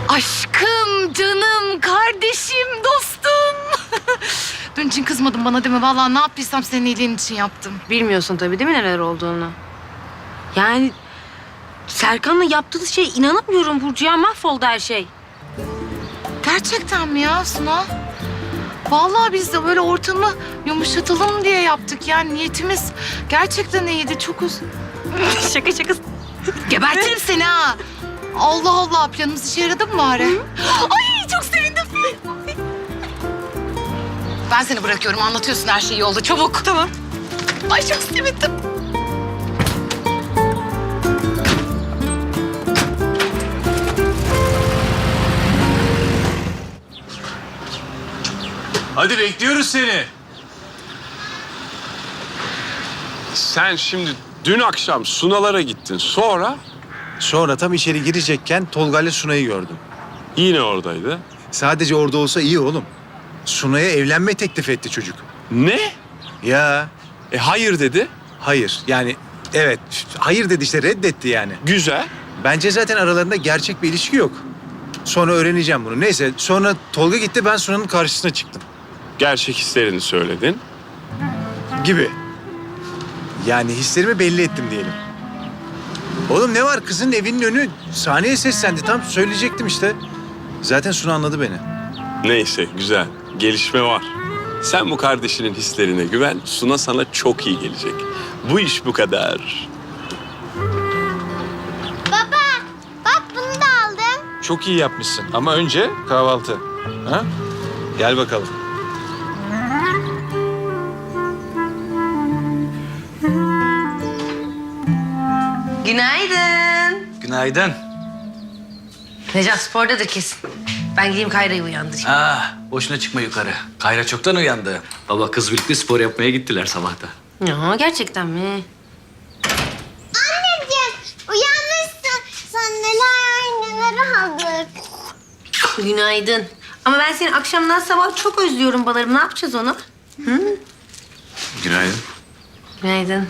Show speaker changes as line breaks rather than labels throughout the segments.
Aşkım, canım, kardeşim, dostum. Dün için kızmadın bana değil mi? Vallahi ne yaptıysam senin iyiliğin için yaptım.
Bilmiyorsun tabii değil mi neler olduğunu? Yani Serkan'la yaptığınız şeye inanamıyorum Burcu ya. Mahvoldu her şey.
Gerçekten mi ya Suna? Vallahi biz de böyle ortamı yumuşatalım diye yaptık. Yani niyetimiz gerçekten iyiydi. Çok
Şaka şaka.
Gebertirim seni ha. Allah Allah, planımız işe yaradı mı bari? Ay çok sevindim. Ben seni bırakıyorum, anlatıyorsun her şeyi yolda. Çabuk. Tamam. Ay çok sevindim.
Hadi bekliyoruz seni.
Sen şimdi dün akşam Sunalara gittin.
Sonra tam içeri girecekken Tolga ile Sunay'ı gördüm.
Yine oradaydı.
Sadece orada olsa iyi oğlum. Sunay'a evlenme teklif etti çocuk.
Ne?
Ya
Hayır dedi.
hayır yani evet hayır dedi işte reddetti yani.
Güzel.
Bence zaten aralarında gerçek bir ilişki yok. Sonra öğreneceğim bunu. Neyse sonra Tolga gitti, ben Sunay'ın karşısına çıktım.
Gerçek hislerini söyledin.
Gibi. Yani hislerimi belli ettim diyelim. Oğlum ne var, kızın evinin önü, sahneye seslendi, tam söyleyecektim işte. Zaten Suna anladı beni.
Neyse güzel. Gelişme var. Sen bu kardeşinin hislerine güven. Suna sana çok iyi gelecek. Bu iş bu kadar.
Baba, bak bunu da aldım.
Çok iyi yapmışsın ama önce kahvaltı. Ha? Gel bakalım.
Günaydın.
Günaydın.
Necat spordadır kesin. Ben gideyim Kayra'yı uyandırayım.
Boşuna çıkma yukarı. Kayra çoktan uyandı. Baba kız birlikte spor yapmaya gittiler sabahta.
Ya gerçekten mi?
Anneciğim, uyanmışsın. Sen neler aldık.
Günaydın. Ama ben seni akşamdan sabah çok özlüyorum balarım. Ne yapacağız onu?
Günaydın.
Günaydın.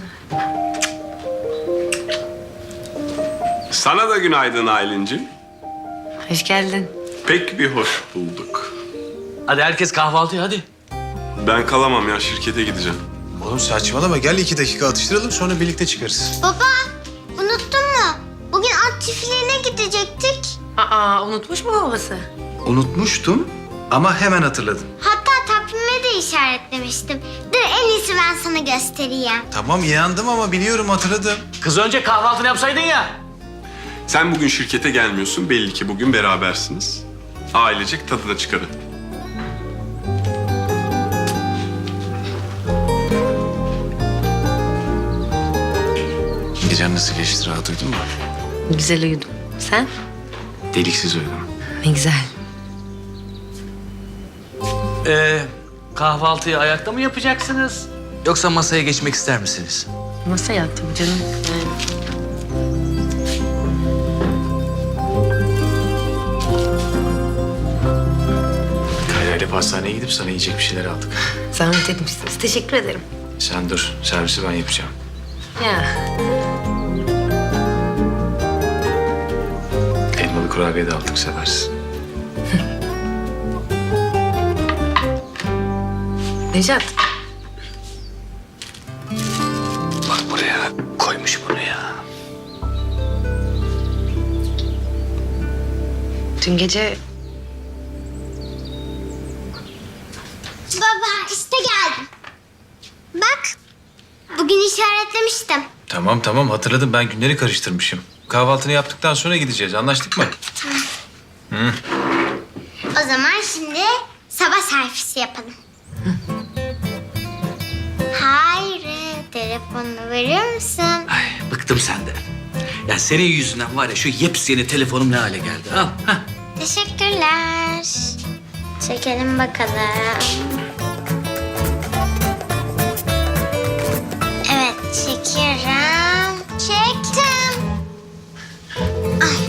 Sana da günaydın Aylin'cim.
Hoş geldin.
Pek bir hoş bulduk.
Hadi herkes kahvaltıya hadi.
Ben kalamam ya, şirkete gideceğim.
Oğlum saçmalama, gel 2 dakika atıştıralım sonra birlikte çıkarız.
Baba, unuttun mu? Bugün at çiftliğine gidecektik.
Aa unutmuş mu babası?
Unutmuştum ama hemen hatırladım.
Hatta takvime de işaretlemiştim. Dur en iyisi ben sana göstereyim.
Tamam inandım ama biliyorum, hatırladım.
Kız önce kahvaltını yapsaydın ya.
Sen bugün şirkete gelmiyorsun. Belli ki bugün berabersiniz. Ailecek tadına çıkarın.
Gecen nasıl geçti, rahat uyudun mu?
Güzel uyudum. Sen?
Deliksiz uyudum.
Ne güzel.
Kahvaltıyı ayakta mı yapacaksınız? Yoksa masaya geçmek ister misiniz?
Nasıl yattım canım?
Kayra ile pastaneye gidip sana yiyecek bir şeyler aldık.
Zahmet etmişsiniz. Teşekkür ederim.
Sen dur, servisi ben yapacağım.
Ya.
Elmalı kurabiye de aldık, seversin.
Necat.
Bak buraya koymuş bunu ya.
Dün gece
Baba işte geldim. Bak, bugün işaretlemiştim.
Tamam hatırladım, ben günleri karıştırmışım. Kahvaltını yaptıktan sonra gideceğiz, anlaştık mı?
O zaman şimdi sabah servisi yapalım. Hayri, telefonunu verir misin?
Ay bıktım senden. Ya senin yüzünden var ya şu yepyeni telefonum ne hale geldi. Al. Hah.
Teşekkürler. Çekelim bakalım. Evet, çekiyorum. Çektim. Ay.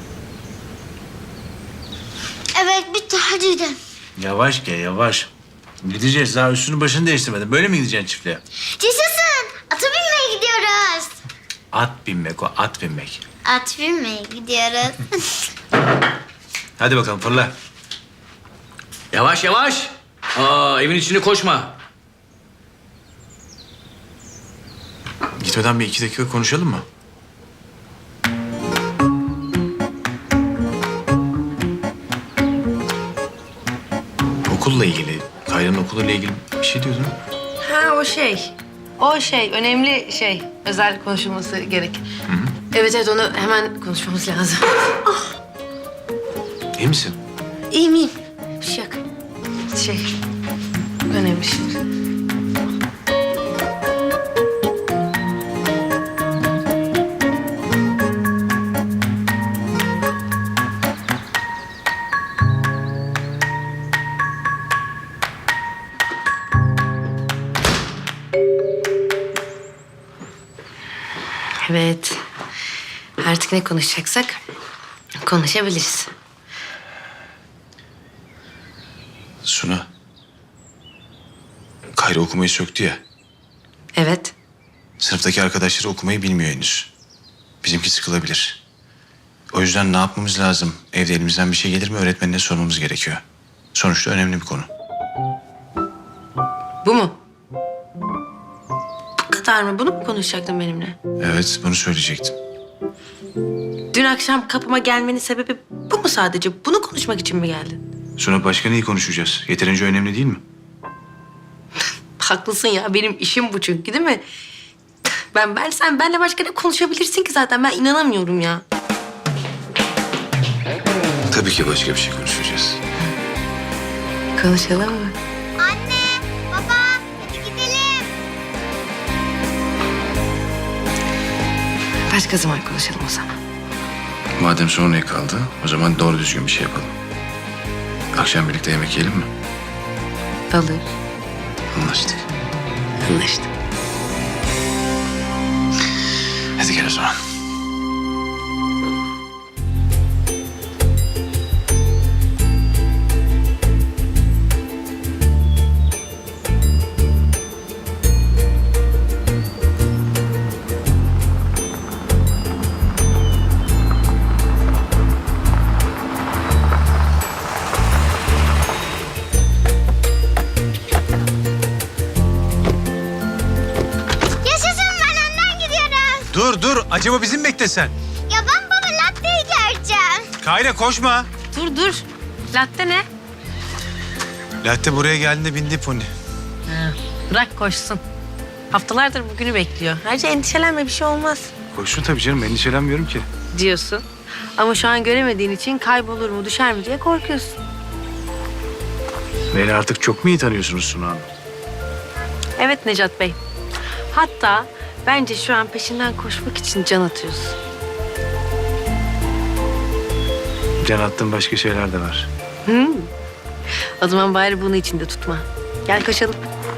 Evet, bitti. Hadi gidelim.
Yavaş gel, yavaş. Gideceğiz, daha üstünü başını değiştirmedin. Böyle mi gideceksin çiftliğe?
Yaşasın. Ata binmeye gidiyoruz.
At binmek o, at binmek.
At binmeye gidiyoruz.
Hadi bakalım fırla.
Yavaş yavaş. Aa, evin içine koşma.
Gitmeden bir 2 dakika konuşalım mı? Okulla ilgili, Kayra'nın okuluyla ilgili bir şey diyordun.
Ha o şey. O şey önemli şey. Özel konuşulması gerek. Evet evet onu hemen konuşmamız lazım.
İyi misin?
İyiyim iyiyim. Bir şey yok. Şey önemli şey. Evet. Artık ne konuşacaksak konuşabiliriz.
Suna. Kayra okumayı söktü ya.
Evet.
Sınıftaki arkadaşları okumayı bilmiyor henüz. Bizimki sıkılabilir. O yüzden ne yapmamız lazım? Evde elimizden bir şey gelir mi öğretmenine sormamız gerekiyor. Sonuçta önemli bir konu.
Bu mu? Bu kadar mı? Bunu mu konuşacaktın benimle?
Evet, bunu söyleyecektim.
Dün akşam kapıma gelmenin sebebi bu mu sadece? Bunu konuşmak için mi geldin?
Sonra başka neyi konuşacağız? Yeterince önemli değil mi?
Haklısın ya. Benim işim bu çünkü değil mi? Sen benle başka ne konuşabilirsin ki zaten? Ben inanamıyorum ya.
Tabii ki başka bir şey konuşacağız.
Konuşalım mı?
Anne, baba, hadi gidelim.
Başka zaman konuşalım o zaman.
Madem sonraya kaldı, o zaman doğru düzgün bir şey yapalım. Akşam birlikte yemek yiyelim mi?
Olur.
Anlaştık.
Anlaştık.
Hadi gel o zaman.
Yaşasın, ben önden gidiyorum.
Dur, acaba bizim beklesen.
Ya ben baba latteyi göreceğim.
Kayra koşma.
Dur. Latte ne?
Latte buraya geldiğinde bindi pony.
Bırak koşsun. Haftalardır bugünü bekliyor. Ayrıca endişelenme bir şey olmaz
Koşsun tabii canım, endişelenmiyorum ki.
diyorsun. Ama şu an göremediğin için kaybolur mu düşer mi diye korkuyorsun.
Beni artık çok mu iyi tanıyorsunuz Suna Hanım?
Evet Necat Bey. Hatta bence şu an peşinden koşmak için can atıyorsun.
Can attığım başka şeyler de var.
O zaman bari bunu içinde tutma. Gel koşalım.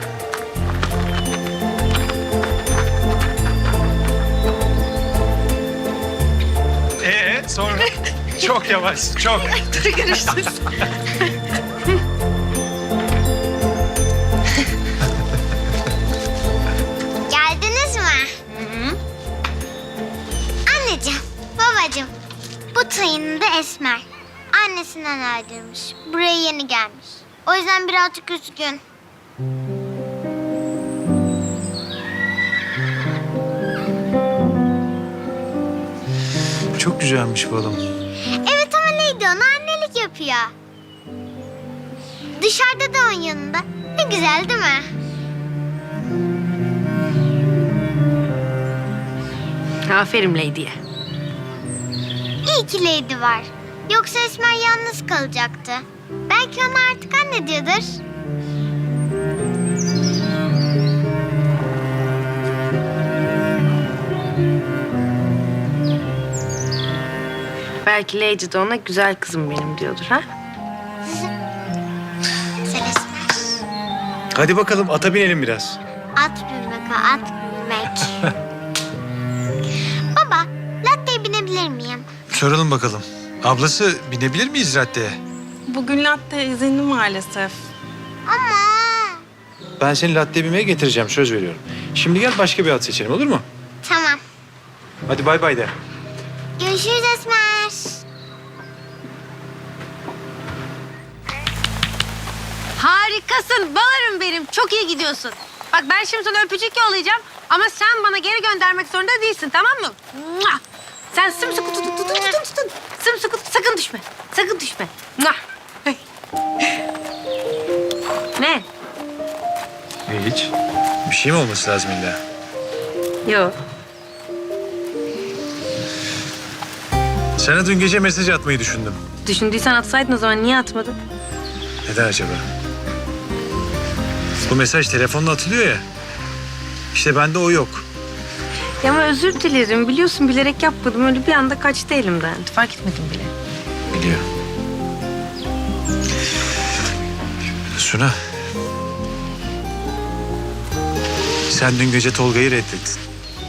Sonra? Çok yavaş, çok.
Dur görüşürüz.
Geldiniz mi? Anneciğim, babacığım. Bu tayının da Esmer. Annesinden ayrılmış. Buraya yeni gelmiş. O yüzden birazcık üzgün.
Çok güzelmiş bu adam.
Evet ama neydi ona annelik yapıyor. Dışarıda da onun yanında. Ne güzel değil mi?
Aferin Lady'ye.
İyi ki Lady var. Yoksa Esmer yalnız kalacaktı. Belki ona artık anne diyordur.
Belki Lady de ona güzel kızım benim diyordur ha?
Sen Esmer.
Hadi bakalım ata binelim biraz.
At bilmek ha, at bilmek. Baba, latte'ye binebilir miyim?
Soralım bakalım. Ablası binebilir miyiz raddeye?
Bugün latte izinli maalesef.
Ama
Ben seni latte bimeye getireceğim, söz veriyorum. Şimdi gel başka bir at seçelim, olur mu?
Tamam.
Hadi bay bay de.
Görüşürüz Esmer.
Harikasın balarım benim. Çok iyi gidiyorsun. Bak ben şimdi sana öpücük yollayacağım. Ama sen bana geri göndermek zorunda değilsin, tamam mı? Mua! Sen sımsıkı tutun. Sımsıkı sakın düşme. Sakın düşme. Mua! Ne?
Hiç. Bir şey mi olması lazım illa?
Yok.
Sana dün gece mesaj atmayı düşündüm.
Düşündüysen atsaydın o zaman niye atmadın?
Neden acaba? Bu mesaj telefonla atılıyor ya. İşte bende o yok.
Ya ama özür dilerim. Biliyorsun bilerek yapmadım. Öyle bir anda kaçtı elimden. Fark etmedim bile.
Biliyor. Suna. Sen dün gece Tolga'yı reddettin.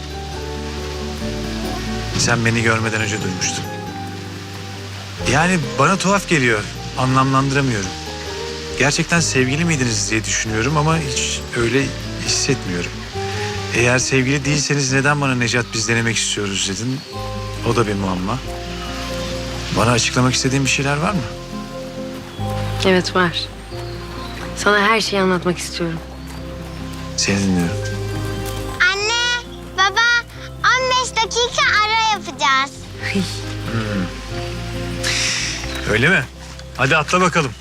Sen beni görmeden önce duymuştun. Yani bana tuhaf geliyor. Anlamlandıramıyorum. Gerçekten sevgili miydiniz diye düşünüyorum ama hiç öyle hissetmiyorum. Eğer sevgili değilseniz neden bana Necat biz denemek istiyoruz dedin? O da bir muamma. Bana açıklamak istediğin bir şeyler var mı?
Evet var. Sana her şeyi anlatmak istiyorum.
Seni dinliyorum.
Anne, baba 15 dakika ara yapacağız.
Öyle mi? Hadi atla bakalım.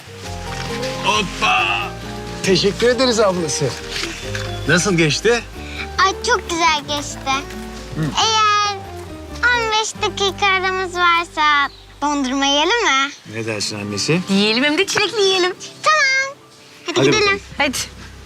Hoppa! Teşekkür ederiz ablası. Nasıl geçti?
Ay çok güzel geçti. Eğer 15 dakika aramız varsa dondurma yiyelim mi?
Ne dersin annesi?
Yiyelim hem de çilekli yiyelim.
Tamam. Hadi
Hadi
gidelim.
bakalım.
Hadi.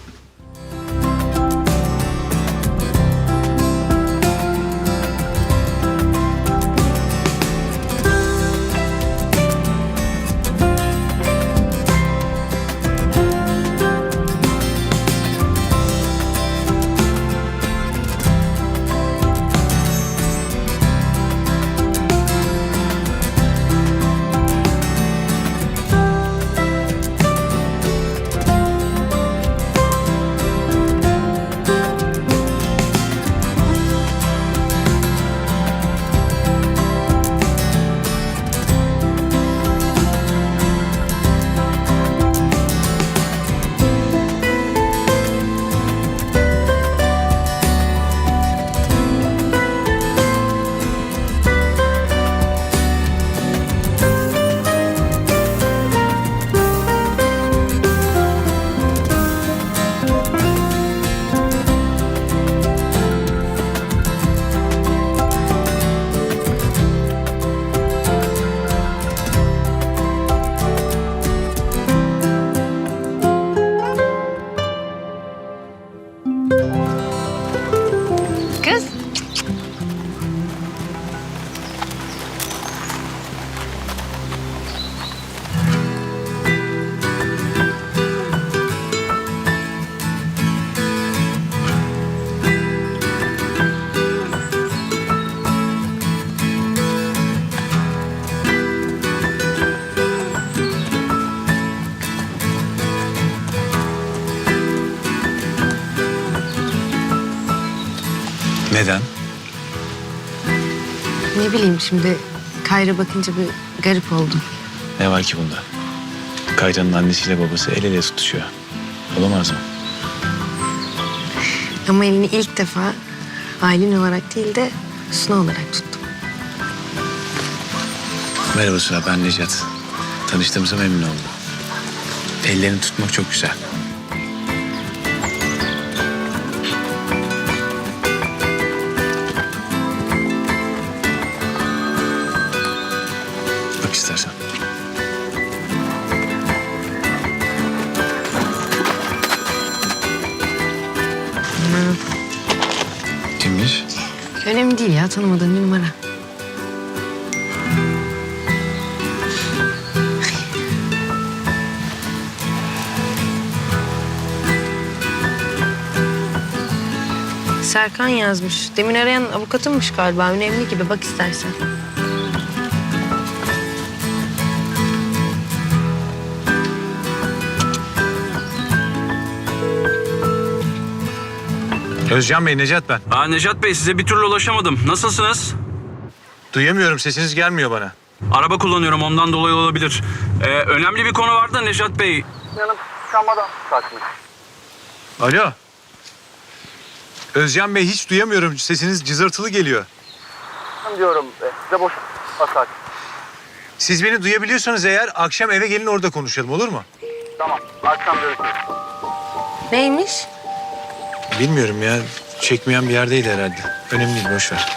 Kız.
Neden?
Ne bileyim şimdi Kayra bakınca bir garip oldum.
Ne var ki bunda? Kayra'nın annesiyle babası el ele tutuşuyor. Olamaz mı?
Ama elini ilk defa Aylin olarak değil de Suna olarak tuttum.
Merhaba Suna, ben Necat. Tanıştığımıza memnun oldum. Ellerini tutmak çok güzel. Bak istersen. Kimmiş?
Önemli değil ya, tanımadığım bir numara. Serkan yazmış. Demin arayan avukatınmış galiba. Önemli gibi, bak istersen.
Özcan Bey, Necat ben.
Necat Bey, size bir türlü ulaşamadım. Nasılsınız?
Duyamıyorum, sesiniz gelmiyor bana.
Araba kullanıyorum, ondan dolayı olabilir. Önemli bir konu vardı Necat Bey.
Alo. Özcan Bey, hiç duyamıyorum. Sesiniz cızırtılı geliyor.
Diyorum size boş atak.
Siz beni duyabiliyorsanız eğer akşam eve gelin, orada konuşalım, olur mu?
Tamam, akşam görüşürüz.
Neymiş?
Bilmiyorum ya. Çekmeyen bir yerdeydi herhalde. Önemli değil, boş ver.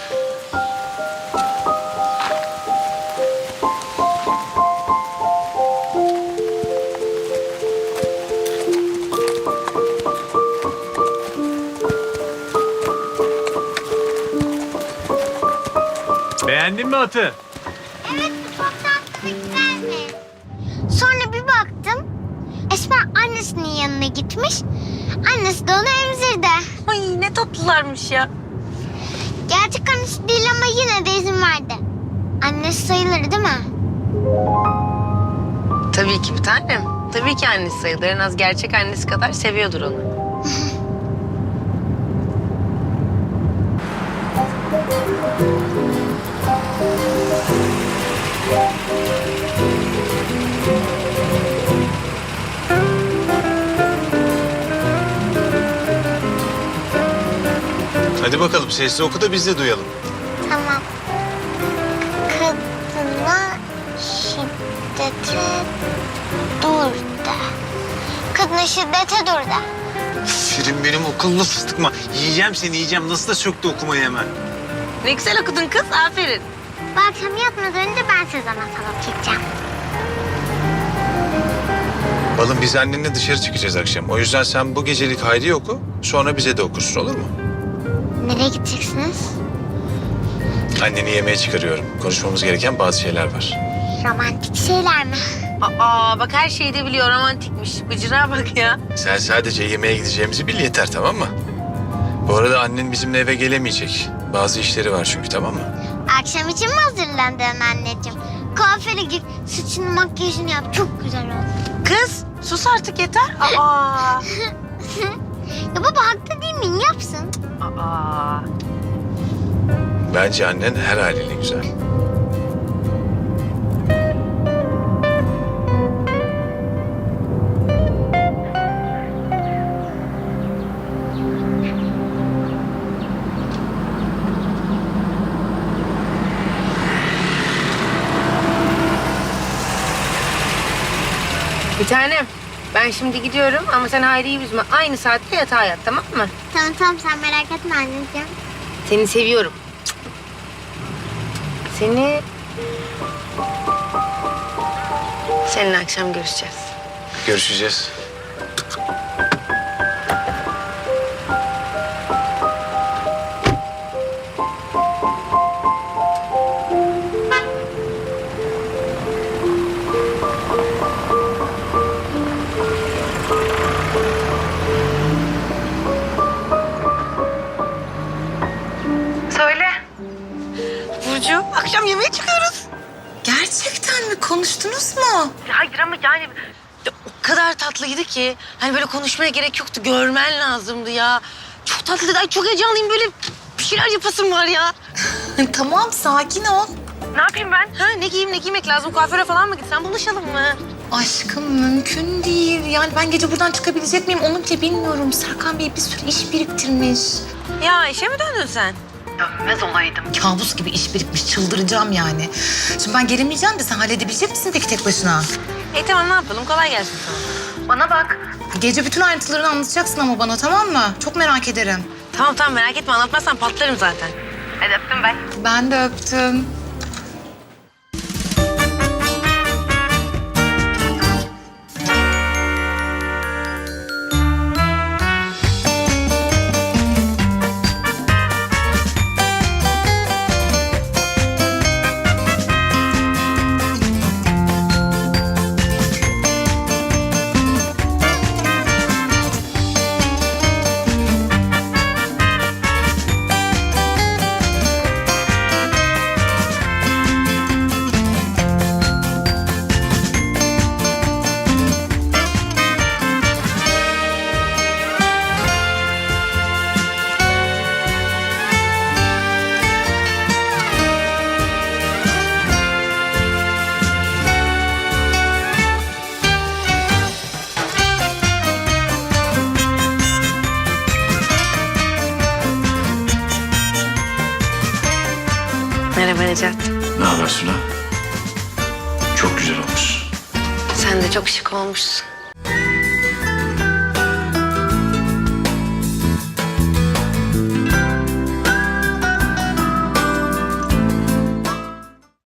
Beğendin mi atı?
Evet, bu çok tatlı ve güzelmiş. Sonra bir baktım, Esmer annesinin yanına gitmiş. Annesi de onu emzirdi.
Ay ne tatlılarmış ya.
Gerçek annesi değil ama yine de izin verdi. Annesi sayılır değil mi?
Tabii ki bir tanem. Tabii ki annesi sayılır. En az gerçek annesi kadar seviyordur onu.
Hadi bakalım, sesli oku da biz de duyalım.
Tamam. Kadına şiddete dur de. Kadına şiddete dur de.
Şirin benim okulunu fıstıkma. Yiyeceğim seni, yiyeceğim. Nasıl da söktü okumayı hemen.
Ne güzel okudun kız. Aferin.
Bu akşam yatmadan önce ben size masal okuyacağım.
Balım, biz annenle dışarı çıkacağız akşam. O yüzden sen bu gecelik Hayri'yi oku, sonra bize de okursun, olur mu?
Nereye gideceksiniz?
Anneni yemeğe çıkarıyorum. Konuşmamız gereken bazı şeyler var.
Romantik şeyler mi?
Aa bak her şeyi de biliyor. Romantikmiş. Bıcıra bak ya.
Sen sadece yemeğe gideceğimizi bil yeter, tamam mı? Bu arada annen bizimle eve gelemeyecek. Bazı işleri var çünkü, tamam mı?
Akşam için mi hazırlandın anneciğim? Kuaföre git, saçını makyajını yap. Çok güzel oldu.
Kız sus artık yeter. Aa.
Ya baba haklı değil miyim? Yapsın.
Aa.
Bence annen her haliyle güzel.
Bir tanem. Ben şimdi gidiyorum ama sen Hayri'yi üzme. Aynı saatte yatağa yat, tamam mı?
Tamam tamam, sen merak etme anneciğim.
Seni seviyorum. Seni... Seninle akşam görüşeceğiz.
Görüşeceğiz.
Söyle.
Burcu, akşam yemeğe çıkıyoruz.
Gerçekten mi? Konuştunuz mu?
Hayır ama yani o kadar tatlıydı ki hani böyle konuşmaya gerek yoktu. Görmen lazımdı ya. Çok tatlıydı. Ay çok heyecanlıyım. Böyle bir şeyler yapasım var ya.
Tamam, sakin ol.
Ne yapayım ben? Ha, ne giyeyim, ne giymek lazım? Kuaföre falan mı gitsem? Buluşalım mı?
Aşkım mümkün değil. Yani ben gece buradan çıkabilecek miyim onu bile bilmiyorum. Serkan Bey bir sürü iş biriktirmiş.
Ya işe mi döndün sen?
Dönmez olaydım. Kabus gibi iş birikmiş. Çıldıracağım yani. Şimdi ben gelemeyeceğim de sen halledebilecek misin peki tek başına?
Tamam ne yapalım? Kolay gelsin sana.
Bana bak. Gece bütün ayrıntılarını anlatacaksın ama bana, tamam mı? Çok merak ederim.
Tamam merak etme. Anlatmazsan patlarım zaten. Hadi öptüm ben.
Ben de öptüm.
Necat.
Ne haber Suna? Çok güzel olmuş.
Sen de çok şık olmuşsun.